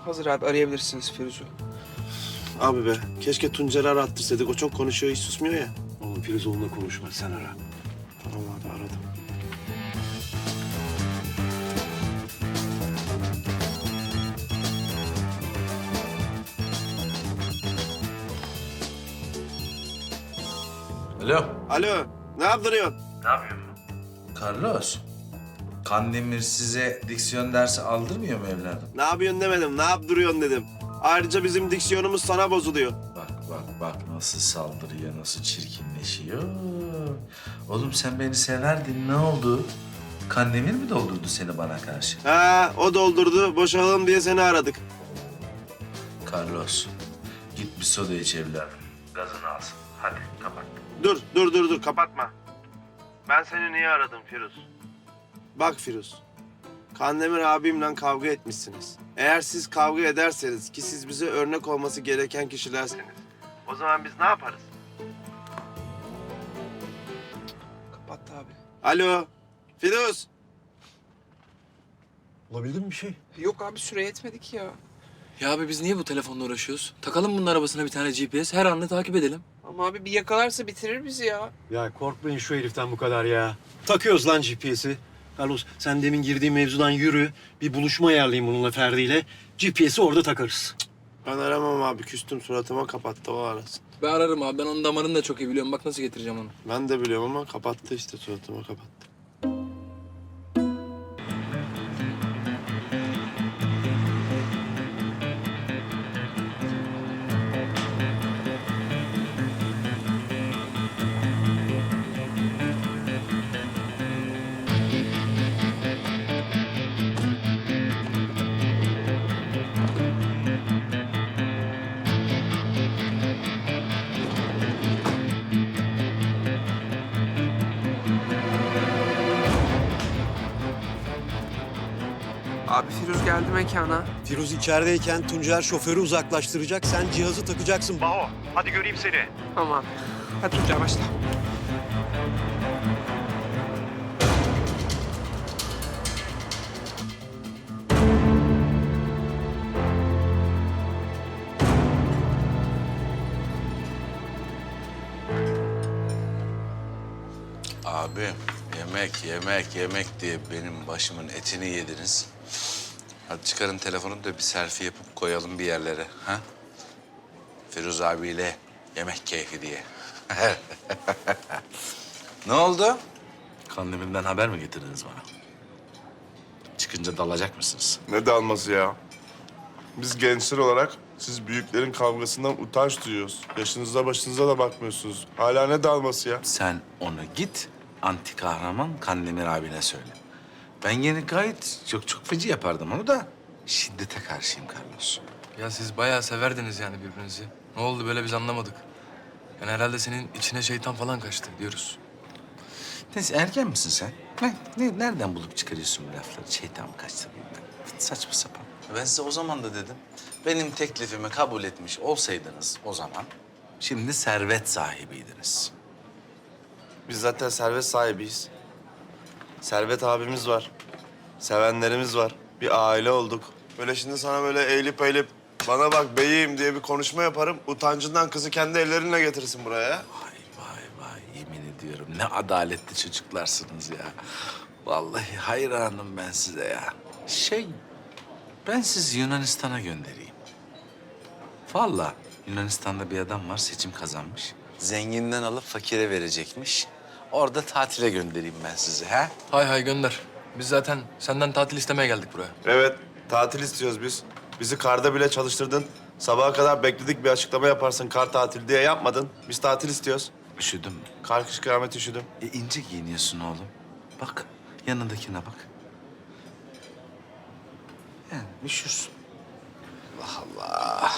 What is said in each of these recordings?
Hazır abi, arayabilirsiniz Firuz'u. Abi be, keşke Tuncer'i arattırsaydık. O çok konuşuyor, hiç susmuyor ya. Oğlum Firuz onunla konuşma, sen ara. Tamam abi, aradım. Alo. Alo, ne yaptırıyorsun? Carlos. Kandemir size diksiyon dersi aldırmıyor mu evladım? Ne yapıyorsun demedim, ne yaptırıyorsun dedim. Ayrıca bizim diksiyonumuz sana bozuluyor. Bak nasıl saldırıyor, nasıl çirkinleşiyor. Oğlum sen beni severdin, ne oldu? Kandemir mi doldurdu seni bana karşı? Ha, o doldurdu, boşalalım diye seni aradık. Carlos, git bir soda iç evladım. Gazını alsın. Hadi kapat. Dur, kapatma. Ben seni niye aradım Firuz? Bak Firuz, Kandemir abimle kavga etmişsiniz. Eğer siz kavga ederseniz ki siz bize örnek olması gereken kişilerseniz, o zaman biz ne yaparız? Kapattı abi. Alo, Firuz. Olabildin mi bir şey? Yok abi, süre yetmedi ki ya. Ya abi biz niye bu telefonla uğraşıyoruz? Takalım bunun arabasına bir tane GPS, her anını takip edelim. Ama abi bir yakalarsa bitirir bizi ya. Ya korkmayın şu heriften bu kadar ya. Takıyoruz lan GPS'i. Carlos sen demin girdiğin mevzudan yürü. Bir buluşma ayarlayayım bununla Ferdi'yle. GPS'i orada takarız. Ben aramam abi, küstüm, suratıma kapattı, o arasın. Ben ararım abi, ben onun damarını da çok iyi biliyorum. Bak nasıl getireceğim onu. Ben de biliyorum ama kapattı işte, suratıma kapattı. Abi Firuz geldi mekana. Firuz içerideyken Tuncer şoförü uzaklaştıracak. Sen cihazı takacaksın. Baho hadi göreyim seni. Tamam. Hadi Tuncay başla. Abi yemek diye benim başımın etini yediniz. Hadi çıkarın telefonu da bir selfie yapıp koyalım bir yerlere. Ha? Firuz abiyle yemek keyfi diye. Ne oldu? Kandemir'den haber mi getirdiniz bana? Çıkınca dalacak mısınız? Ne dalması ya? Biz gençler olarak siz büyüklerin kavgasından utanç duyuyoruz. Yaşınıza başınıza da bakmıyorsunuz. Hala ne dalması ya? Sen onu git anti kahraman Kandemir abine söyle. Ben yine gayet çok feci yapardım onu da şiddete karşıyım Carlos. Ya siz bayağı severdiniz yani birbirinizi. Ne oldu böyle biz anlamadık. Yani herhalde senin içine şeytan falan kaçtı diyoruz. Neyse erken misin sen? Nereden bulup çıkarıyorsun bu lafları? Şeytan mı kaçtı bilmem. Saçma sapan. Ben size o zaman da dedim. Benim teklifimi kabul etmiş olsaydınız o zaman şimdi servet sahibiydiniz. Biz zaten servet sahibiyiz. Servet abimiz var. Sevenlerimiz var. Bir aile olduk. Böyle şimdi sana böyle eğilip bana bak beyim diye bir konuşma yaparım. Utancından kızı kendi ellerinle getirsin buraya. Vay yemin ediyorum ne adaletli çocuklarsınız ya. Vallahi hayranım ben size ya. Ben sizi Yunanistan'a göndereyim. Vallahi Yunanistan'da bir adam var seçim kazanmış. Zenginden alıp fakire verecekmiş. Orada tatile göndereyim ben sizi ha? Hay gönder. Biz zaten senden tatil istemeye geldik buraya. Evet, tatil istiyoruz biz. Bizi karda bile çalıştırdın. Sabaha kadar bekledik, bir açıklama yaparsın kar tatil diye yapmadın. Biz tatil istiyoruz. Üşüdüm mü? Kar kış kıyamet üşüdüm. İnce giyiniyorsun oğlum. Bak yanındakine bak. Yani üşürsün. Allah Allah.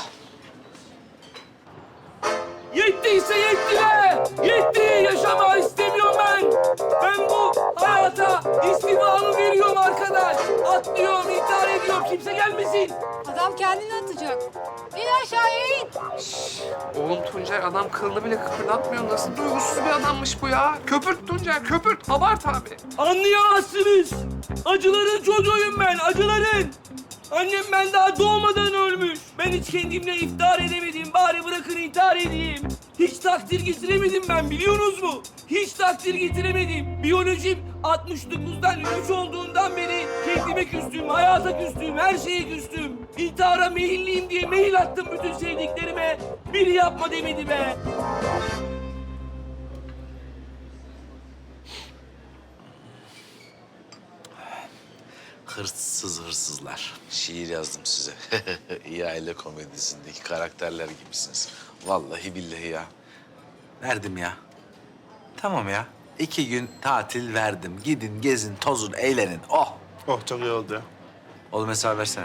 Yettiyse yetti be! Yetti! Yaşama istemiyorum ben! Ben bu hayata istimamı veriyorum arkadaş! Atlıyorum, intihar ediyorum, kimse gelmesin! Adam kendini atacak. İn aşağıya in. Oğlum Tuncay, adam kılını bile kıpırdatmıyor. Nasıl duygusuz bir adammış bu ya? Köpürt Tuncay, köpürt. Abart abi. Anlayamazsınız! Acıların çocuğuyum ben, acıların! Annem ben daha doğmadan ölmüş. Ben hiç kendimle iftihar edemedim. Bari bırakın intihar edeyim. Hiç takdir getiremedim ben, biliyorsunuz mu? Hiç takdir getiremedim. Biyolojim 69'dan 3 olduğundan beri kendime küstüm, hayata küstüm, her şeye küstüm. İntihara meyilliyim diye mail attım bütün sevdiklerime. Biri yapma demedi be. Hırsız hırsızlar. Şiir yazdım size. İyi aile komedisindeki karakterler gibisiniz. Vallahi billahi ya. Verdim ya. Tamam ya. 2 gün tatil verdim. Gidin, gezin, tozun, eğlenin. Oh! Oh çok iyi oldu ya. Oğlum hesabı versene.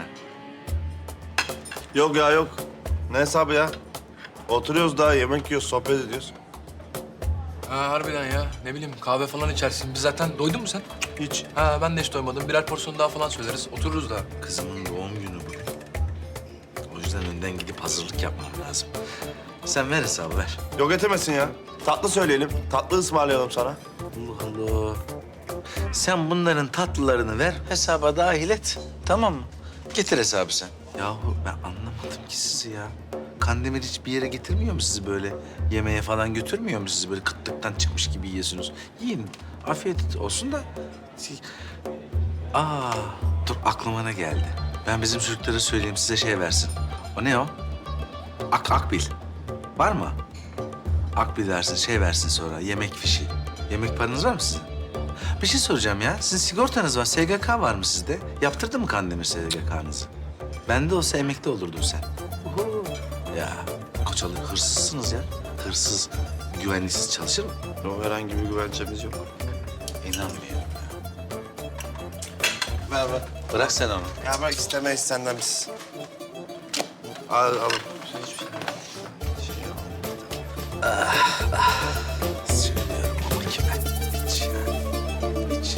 Yok ya yok. Ne hesabı ya? Oturuyoruz daha yemek yiyoruz, sohbet ediyoruz. Ha harbiden ya. Ne bileyim kahve falan içersin. Biz zaten doydun mu sen? Hiç. Ha ben de hiç doymadım. Birer porsiyon daha falan söyleriz. Otururuz da. Kızımın doğum günü bugün. O yüzden önden gidip hazırlık yapmam lazım. Sen ver hesabı ver. Yok etemesin ya. Tatlı söyleyelim. Tatlı ısmarlayalım sana. Allah Allah. Sen bunların tatlılarını ver, hesaba dahil et. Tamam mı? Getir hesabı sen. Yahu ben anlamadım ki sizi ya. Kandemir hiçbir yere getirmiyor mu sizi böyle? Yemeğe falan götürmüyor mu sizi böyle kıtlıktan çıkmış gibi yiyorsunuz? Yiyin. Afiyet olsun da. Aa, dur aklıma ne geldi? Ben bizim çocuklara söyleyeyim size şey versin. O ne o? Akbil. Var mı? Akbil versin, şey versin sonra, yemek fişi. Yemek paranız var mı sizin? Bir şey soracağım ya. Sizin sigortanız var, SGK var mı sizde? Yaptırdı mı Kandemir SGK'nızı? Bende olsa emekli olurdun sen. Uhu. Ya Koçalı hırsızsınız ya. Hırsız, güvenlisiz çalışır mı? Yok herhangi bir güvencemiz yok. İnanmıyorum ya. Ver ver. Bırak sen onu. Ya bak istemeyiz senden biz. Al al. Söylüyorum ama kime? Hiç ya. Hiç.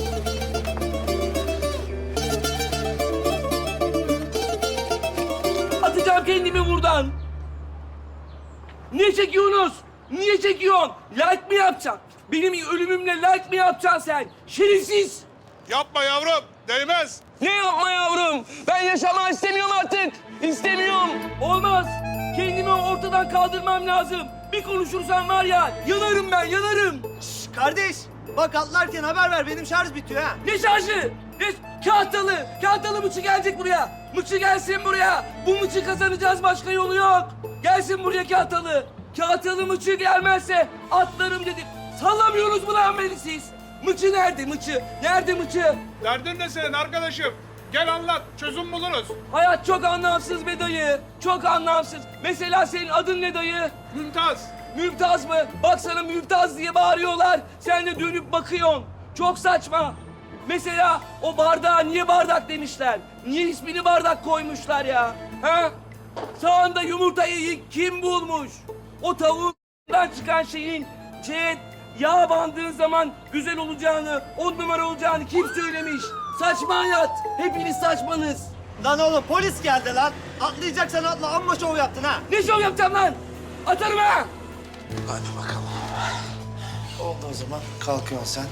Atacağım kendimi buradan. Niye çekiyorsunuz? Niye çekiyorsun? Like mi yapacaksın? Benim ölümümle like mi yapacaksın sen? Şerefsiz! Yapma yavrum, değmez. Ne yapma yavrum? Ben yaşamak istemiyorum artık. İstemiyorum. Olmaz. Kendimi ortadan kaldırmam lazım. Bir konuşursam var ya, yanarım ben, yanarım. Kardeş, bak atlarken haber ver. Benim şarj bitiyor ha. Ne şarjı? Ne? Kahtalı. Kahtalı mıçı gelecek buraya. Mıçı gelsin buraya. Bu mıçı kazanacağız, başka yolu yok. Gelsin buraya kahtalı. Kahtalı mıçı gelmezse atlarım dedim. Sallamıyorsunuz mu lan beni siz? Mıçı nerede mıçı? Nerede mıçı? Derdin ne senin arkadaşım? Gel anlat, çözüm buluruz. Hayat çok anlamsız be dayı. Çok anlamsız. Mesela senin adın ne dayı? Mümtaz. Mümtaz mı? Bak sana Mümtaz diye bağırıyorlar. Sen de dönüp bakıyorsun. Çok saçma. Mesela o bardağa niye bardak demişler? Niye ismini bardak koymuşlar ya? Ha? Sağında yumurtayı kim bulmuş? O tavuğundan çıkan şeyin yağ bandığın zaman güzel olacağını, 10 numara olacağını kim söylemiş? Saçma hayat. Hepiniz saçmanız. Lan oğlum polis geldi lan. Atlayacaksan atla. Amma şov yaptın ha. Ne şov yapacağım lan? Atarım ha! Hadi bakalım. Oldu o zaman. Kalkıyorsun sen.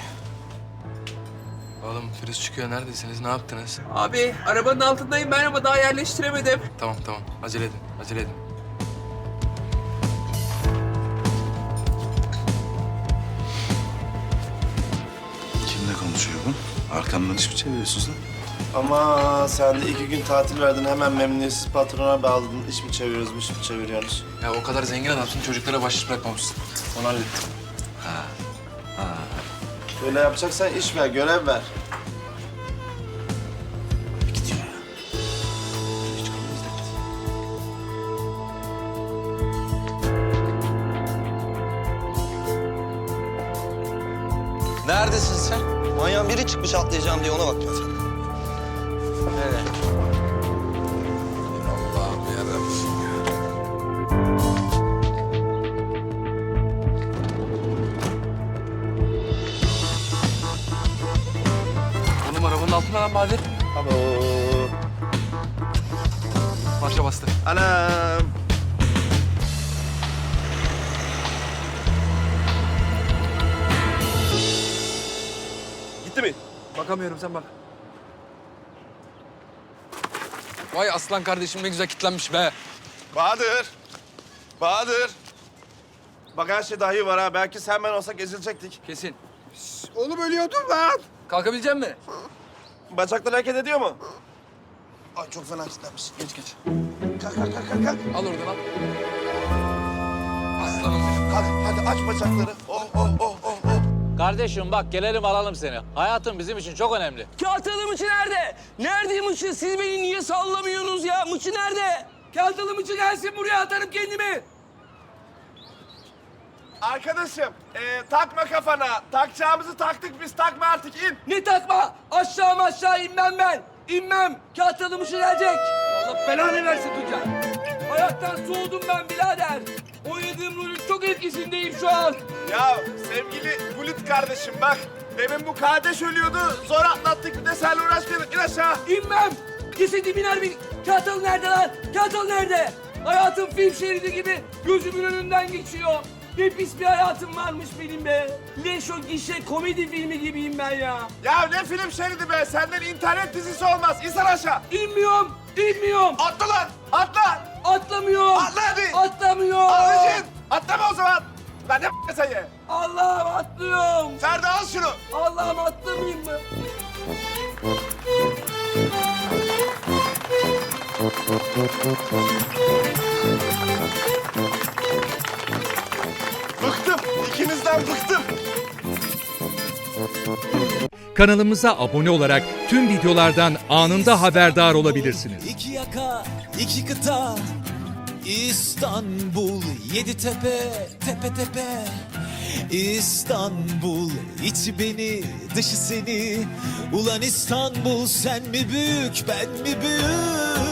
Oğlum Firuz çıkıyor. Neredesiniz? Ne yaptınız? Abi arabanın altındayım ben ama daha yerleştiremedim. Tamam tamam. Acele edin. Acele edin. Kimle konuşuyor bu? Arkamdan iş mi çeviriyorsunuz lan? Ama sen de 2 gün tatil verdin. Hemen memnuniyetsiz patrona bağladın. İş mi çeviriyoruz, iş mi çeviriyoruz? Ya o kadar zengin adamsın. Çocuklara bahşiş bırakmamışsın. Onu hallettim. Böyle yapacaksan iş ver, görev ver. Gidiyor ya. Neredesin sen? Manyağın biri çıkmış atlayacağım diye ona bakacağım. Nereye? Allah'ım yarabbim ya. Oğlum arabanın altında lan Bahadır. Abo. Marşa bastı. Anam. Gitti mi? Bakamıyorum sen bak. Vay aslan kardeşim ne güzel kitlenmiş be. Bahadır. Bahadır. Bak her şey dahi var ha. Belki sen ben olsak ezilecektik. Kesin. Oğlum ölüyordum lan. Kalkabilecek misin? Bacaklar hareket ediyor mu? Ay çok fena kilitlenmiş. Geç geç. Kalk kalk kalk kalk. Kalk, Al oradan al. Aslanım benim. kalk. Hadi aç bacakları. Oh oh oh oh oh. Kardeşim bak gelelim alalım seni. Hayatın bizim için çok önemli. Kağıtalı mıçı nerede? Nerede mıçı? Siz beni niye sallamıyorsunuz ya? Mıçı nerede? Kağıtalı mıçı gelsin buraya atarım kendimi. Arkadaşım takma kafana. Takacağımızı taktık biz. Takma artık in. Ne takma? Aşağı inmem ben. İnmem. Kağıtalı mıçı gelecek. Allah belanı versin Tuncer. Hayattan soğudum ben birader. Oynadığım rolün çok etkisindeyim şu an. Ya sevgili Bulut kardeşim bak. Demin bu kardeş ölüyordu. Zor atlattık bir de seninle uğraşmayalım. İn aşağı. İnmem. Cesedim iner bir... Kağıtalı nerede lan? Kağıtalı nerede? Hayatım film şeridi gibi gözümün önünden geçiyor. Ne pis bir hayatım varmış benim be. Leş o gişe komedi filmi gibiyim ben ya. Ya ne film şeridi be. Senden internet dizisi olmaz. İnsan aşağı. İnmiyorum. Atla lan. Atla. Atlamıyorum. Atla hadi. Atlamıyorum. Alıcın. Atlama o zaman. Ben ne sayı. Allah'ım atlıyorum. Ferdi al şunu. Allah'ım atlamayayım mı? Bıktım. İkinizden bıktım. Kanalımıza abone olarak tüm videolardan anında haberdar olabilirsiniz. İki yaka, iki kıta, İstanbul, yedi tepe, tepe tepe. İstanbul, içi beni, dışı seni. Ulan İstanbul, sen mi büyük, ben mi büyük?